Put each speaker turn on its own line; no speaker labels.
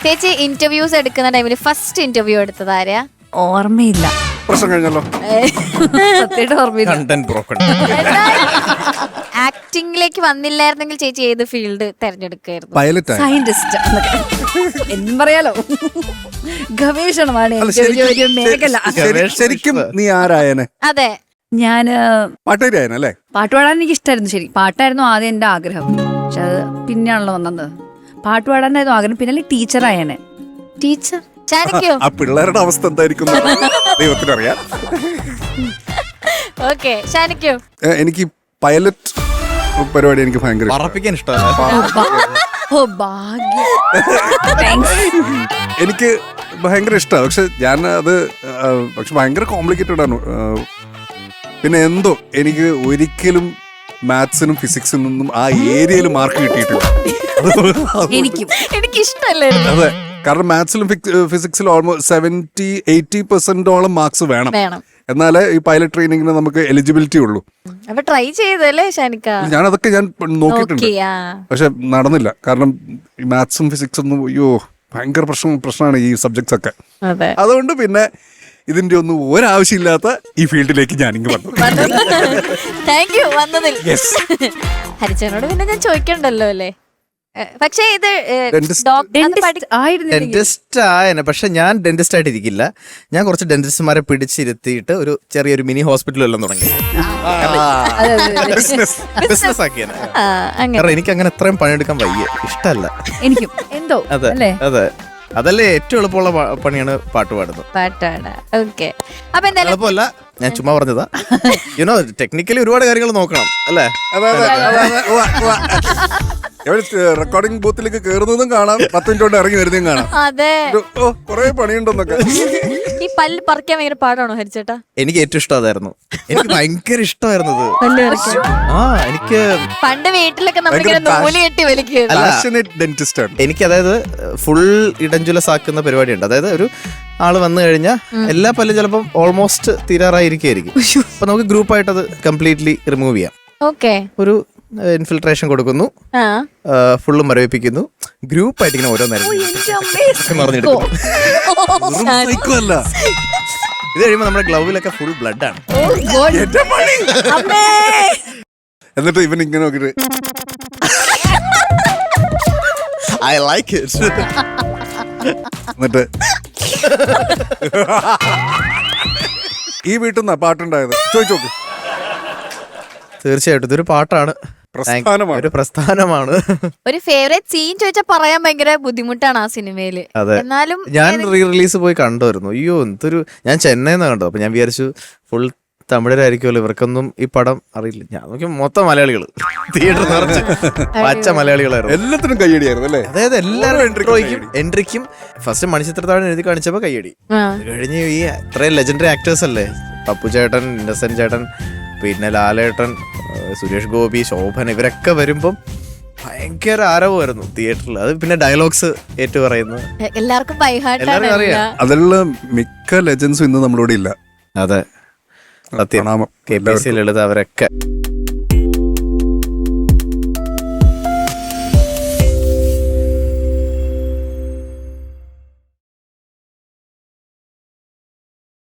ചേച്ചി ഇന്റർവ്യൂസ് എടുക്കുന്ന ടൈമിൽ ഫസ്റ്റ് ഇന്റർവ്യൂ എടുത്തത് ആരെയാ?
ഓർമ്മയില്ല.
പ്രശ്നം കഴിഞ്ഞല്ലോ.
സത്യമായിട്ട് ഓർമ്മയില്ല.
Content broken.
ആക്ടിംഗിലേക്ക് വന്നില്ലായിരുന്നെങ്കിൽ ചേച്ചി ഏത് ഫീൽഡ് തെരഞ്ഞെടുക്കായിരുന്നു?
പൈലറ്റ്
സയന്റിസ്റ്റ് എന്നും പറയാലോ. ഗവേഷണമാണ്
അല്ല,
എനിക്ക് ഒരു മേഖല.
ശരിക്കും നീ ആരായനെ?
അതെ,
ഞാന്
പാട്ടുകാരിയായനല്ലേ?
പാട്ട് പാടാൻ എനിക്ക് ഇഷ്ടമായിരുന്നു. ശരി, പാട്ടായിരുന്നു ആദ്യം എന്റെ ആഗ്രഹം. പക്ഷെ അത് പിന്നെയാണല്ലോ വന്നത്. പാട്ട് പാടാനായിരുന്നു ആഗ്രഹം. പിന്നെ ടീച്ചറായനെ.
ടീച്ചർ. ശാനിക്കോ?
ആ പിള്ളേരുടെ അവസ്ഥ എന്തായിരിക്കും ദൈവത്തിനറിയാം.
ഓക്കെ, ശാനിക്കോ?
എനിക്ക് പൈലറ്റ് പരിപാടി എനിക്ക് ഭയങ്കര
പറപ്പിക്കാൻ ഇഷ്ടമല്ല.
ഓ ഭാഗ്യം. Thanks.
എനിക്ക് ഭയങ്കര ഇഷ്ടമാണ്. പക്ഷെ ഞാൻ അത് പക്ഷെ ഭയങ്കര കോംപ്ലിക്കേറ്റഡ് ആണ്. പിന്നെ എന്തോ എനിക്ക് ഒരിക്കലും മാത്സിനും ഫിസിക്സിനും ഒന്നും ആ ഏരിയയിൽ മാർക്ക് കിട്ടിയിട്ടില്ല.
എനിക്ക് ഇഷ്ടമല്ലായിരുന്നു.
അതെ, കാരണം മാത്സിലും ഫിസിക്സിലും ഓൾമോസ്റ്റ് 70-80% മാർക്സ് വേണം. എന്നാലേ ഈ പൈലറ്റ് ട്രെയിനിങ്ങിന് നമുക്ക് എലിജിബിലിറ്റി ഉള്ളൂ.
അപ്പൊ ട്രൈ ചെയ്തല്ലേ ശാനിക്ക?
ഞാൻ നോക്കിയിട്ടുണ്ട്, പക്ഷെ നടന്നില്ല. കാരണം ഈ മാത്സും ഫിസിക്സും ഒന്നും അയ്യോ ഭയങ്കര പ്രശ്നമാണ് ഈ സബ്ജക്ട്സ് ഒക്കെ. അതുകൊണ്ട് പിന്നെ ഇതിന്റെ ഒന്നും ഒരാവശ്യമില്ലാത്ത ഈ ഫീൽഡിലേക്ക് ഞാനിങ്ങ് വന്നു.
താങ്ക് യു വന്നതിൽ. ഹരിച്ചനോട് പിന്നെ ഞാൻ ചോദിക്കണ്ടല്ലോ അല്ലേ? പക്ഷേ ഇത്
ഡെന്റിസ്റ്റ് ആയനെ. പക്ഷെ ഞാൻ ഡെന്റിസ്റ്റ് ആയിട്ട് ഇരിക്കില്ല. ഞാൻ കുറച്ച് ഡെന്റിസ്റ്റ്മാരെ പിടിച്ചിരുത്തിയിട്ട് ഒരു ചെറിയൊരു മിനി ഹോസ്പിറ്റൽ എല്ലാം തുടങ്ങി ബിസിനസ് ആക്കിയാണ്. കാരണം എനിക്ക് അങ്ങനെ എത്രയും പണിയെടുക്കാൻ വയ്യ, ഇഷ്ടമല്ല
എനിക്കും എന്തോ.
അതെ അതെ, അതല്ലേ ഏറ്റവും എളുപ്പമുള്ള പണിയാണ് പാട്ട് പാടുന്നത്. എളുപ്പമല്ല, ഞാൻ ചുമ്മാ പറഞ്ഞതാ. യുനോ ടെക്നിക്കലി ഒരുപാട് കാര്യങ്ങൾ നോക്കണം അല്ലേ?
റെക്കോർഡിംഗ് ബൂത്തിലേക്ക് കയറുന്നതും കാണാം, 10 മിനിറ്റ് കൊണ്ട് ഇറങ്ങി വരുന്നതും കാണാം. കൊറേ പണിയുണ്ടെന്നൊക്കെ.
ഈ പല്ല് പറിക്കാൻ ഭയങ്കര പാടാണോ ഹരിച്ചേട്ടാ?
എനിക്ക് ഏറ്റവും ഇഷ്ടം അതായിരുന്നു. എനിക്ക് ഭയങ്കര ഇഷ്ടമായിരുന്നത്. എനിക്ക്
പണ്ട് വീട്ടിലൊക്കെ നമ്മളിങ്ങനെ നൂല് കെട്ടി വലിക്കും.
എനിക്ക് അതായത് ഫുൾ ഇടഞ്ചുലസ് ആക്കുന്ന പരിപാടിയുണ്ട്. അതായത് ഒരു ആള് വന്നു കഴിഞ്ഞാൽ എല്ലാ പല്ലും ചിലപ്പം ഓൾമോസ്റ്റ് തീരാറായിരിക്കും. അപ്പൊ നമുക്ക് ഗ്രൂപ്പായിട്ട് അത് കംപ്ലീറ്റ്ലി റിമൂവ് ചെയ്യാം. ഒരു ഇൻഫിൽട്രേഷൻ കൊടുക്കുന്നു, ഫുള്ളും മരവിപ്പിക്കുന്നു, ഗ്രൂപ്പായിട്ട് ഇങ്ങനെ ഓരോ നേരം പറഞ്ഞെടുക്കുന്നു. ഇത് കഴിയുമ്പോൾ നമ്മുടെ ഗ്ലൗവിലൊക്കെ ഫുൾ ബ്ലഡ് ആണ്.
എന്നിട്ട് ഇവൻ ഇങ്ങനെ നോക്കിട്ട്
ഐ ലൈക്ക് ഇറ്റ്.
എന്നിട്ട് ഈ വീട്ടിൽ നിന്നാ പാട്ടുണ്ടായത്? ചോദിച്ചു നോക്ക്.
തീർച്ചയായിട്ടും ഇതൊരു പാട്ടാണ്, ഒരു പ്രസ്ഥാനമാണ്.
ഒരു ഫേവറേറ്റ് സീൻ ചോദിച്ചാൽ പറയാൻ ഭയങ്കര ബുദ്ധിമുട്ടാണ് ആ സിനിമയില്. എന്നാലും
ഞാൻ റീ റിലീസ് പോയി കണ്ടുവരുന്നു. അയ്യോ എന്തൊരു, ഞാൻ ചെന്നൈന്ന് കണ്ടു. അപ്പൊ ഞാൻ വിചാരിച്ചു ഫുൾ തമിഴരായിരിക്കുമല്ലോ, ഇവർക്കൊന്നും ഈ പടം അറിയില്ല. ഞാൻ നോക്കി മൊത്തം മലയാളികൾ, തിയേറ്റർ നിറച്ച് പച്ച മലയാളികളായിരുന്നു.
എല്ലാത്തിനും കയ്യടിയായിരുന്നു അല്ലേ?
അതായത് എല്ലാവരും എൻട്രിക്കും ഫസ്റ്റ് മണിച്ചിത്രത്താഴ് എഴുതി കാണിച്ചപ്പോ കയ്യടി. കഴിഞ്ഞ് ഈ ഇത്രയും ലെജൻഡറി ആക്ടേഴ്സ് അല്ലേ, പപ്പു ചേട്ടൻ, ഇന്നസെന്റ് ചേട്ടൻ, പിന്നെ ലാലേട്ടൻ, സുരേഷ് ഗോപി, ശോഭൻ, ഇവരൊക്കെ വരുമ്പം ഭയങ്കര ആരവമായിരുന്നു തിയേറ്ററിൽ. അത് പിന്നെ ഡയലോഗ്സ് ഏറ്റു പറയുന്നത്
എല്ലാവർക്കും
അറിയാം.
അതിലുള്ള മിക്ക ലെജൻസും ഇന്ന് നമ്മളോട് ഇല്ല.
അതെ, സത്യം. KPC ലളിത അവരൊക്കെ